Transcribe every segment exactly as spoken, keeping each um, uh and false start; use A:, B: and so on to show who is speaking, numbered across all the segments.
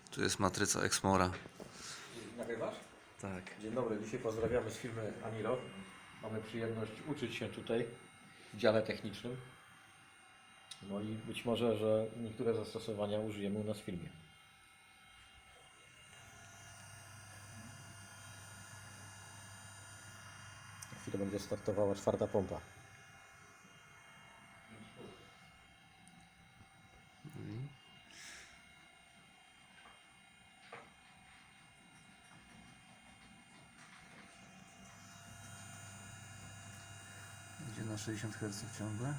A: Tu jest matryca Exmora.
B: Nagrywasz?
A: Tak.
B: Dzień dobry, dzisiaj pozdrawiamy z firmy Aniro. Mamy przyjemność uczyć się tutaj w dziale technicznym. No i być może, że niektóre zastosowania użyjemy u nas w firmie. Za chwilę będzie startowała czwarta pompa.
A: Idzie na sześćdziesiąt herców ciągle.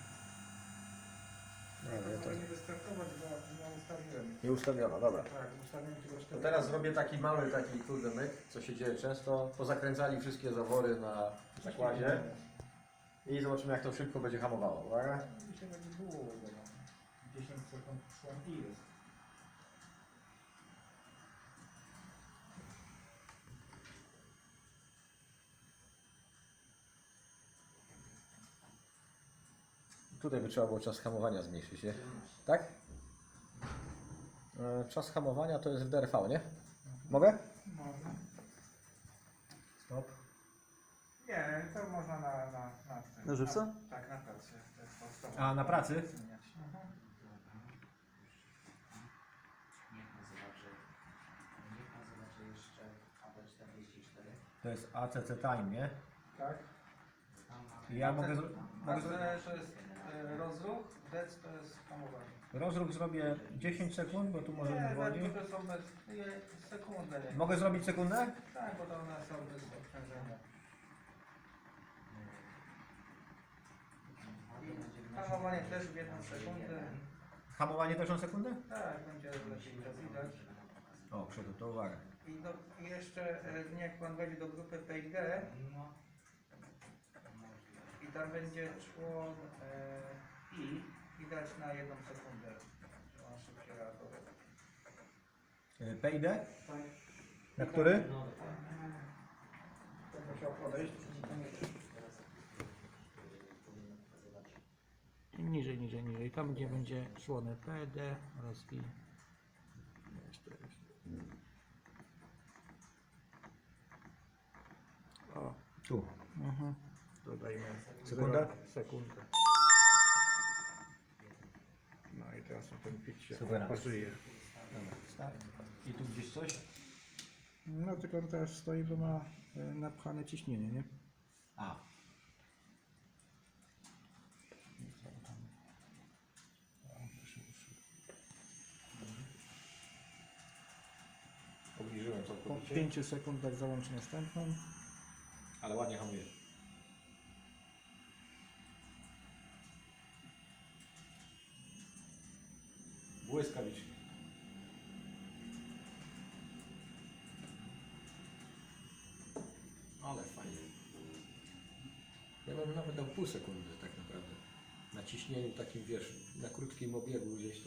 B: Nie,
C: To nie wystartować, bo nie ustawiłem.
B: nie ustawiono, dobra.
C: Tak, ustawiłem tylko
B: To
C: cztery.
B: teraz zrobię taki mały taki kurde myk, co się dzieje często. Pozakręcali wszystkie zawory na zakładzie i zobaczymy, jak to szybko będzie hamowało. Uwaga.
C: Dzisiaj będzie było, bo dziesięć sekund szło i jest.
B: Tutaj by trzeba było czas hamowania zmniejszyć, nie? Tak? E, Czas hamowania to jest w D R V, nie? Mogę?
C: Można.
B: Stop.
C: Nie, to można na... na, na, tym.
A: Na żywca?
C: Na, tak, na pracy. To jest podstawowe.
B: A, na pracy?
C: Mhm.
D: Niech pan zobaczy, niech pan zobaczy jeszcze A B czterdzieści cztery.
B: To jest A C C Time, nie?
C: Tak.
D: Tam mamy
B: I ja mogę, zro-
C: A
B: mogę
C: C
B: zro-
C: to jest e, rozruch, D E C to jest hamowanie.
B: rozruch zrobię dziesięć sekund, bo tu może
C: Nie,
B: nie woli.
C: to są bez... Nie, sekundę. Nie.
B: Mogę zrobić sekundę?
C: Tak, bo to one są bez obciążenia. Hamowanie też w jedną sekundę.
B: Hamowanie też na sekundę?
C: Tak, będzie lepiej to widać.
B: O, przodu, to uwaga.
C: I, do, i jeszcze e, jak pan wejdzie do grupy P D
D: No,
C: i tam będzie człon e, I i dać na jedną sekundę. że On szybciej reaguje.
B: P I D?
C: Tak.
B: Na który?
D: no dokładnie.
C: To musiał podejść. Im niżej, niżej, niżej. Tam gdzie będzie człony P D oraz I. Jeszcze, jeszcze. O.
B: Tu.
C: Mhm. Dodajmy
B: Sekunda?
C: Sekundę. No i teraz na ten pik się
B: Super.
C: pasuje.
B: Dobra, start. I tu gdzieś coś?
C: No tylko on teraz stoi, bo ma e, napchane ciśnienie, nie?
B: A. Obniżyłem
C: Po
B: całkowicie,
C: pięciu sekundach załącz następną.
B: ale ładnie hamuje. Błyskawicznie. Ale fajnie. Ja bym nawet dał pół sekundy tak naprawdę. Na ciśnieniu takim, wiesz, na krótkim obiegu gdzieś to.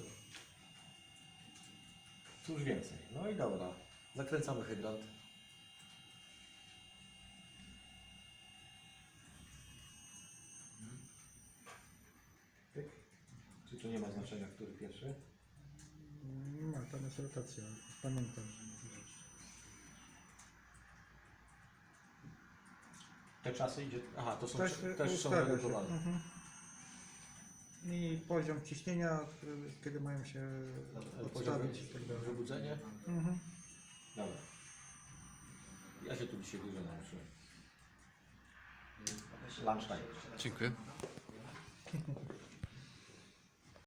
B: Cóż więcej. No i dobra. Zakręcamy hydrant. Pyk. Czy tu nie ma znaczenia, który pierwszy?
C: Nie ma, tam jest rotacja. Pamiętam.
B: Te czasy idzie. Aha, to są
C: Też,
B: też, też są
C: ustawia się.
B: redukowane.
C: Mhm. I poziom ciśnienia, który- kiedy mają się
B: Poziom
C: odstawić i tak dalej.
B: wybudzenie.
C: Mhm.
B: Dobra. Ja się tu dzisiaj dużo nauczyłem. Lunchtime.
A: Dziękuję.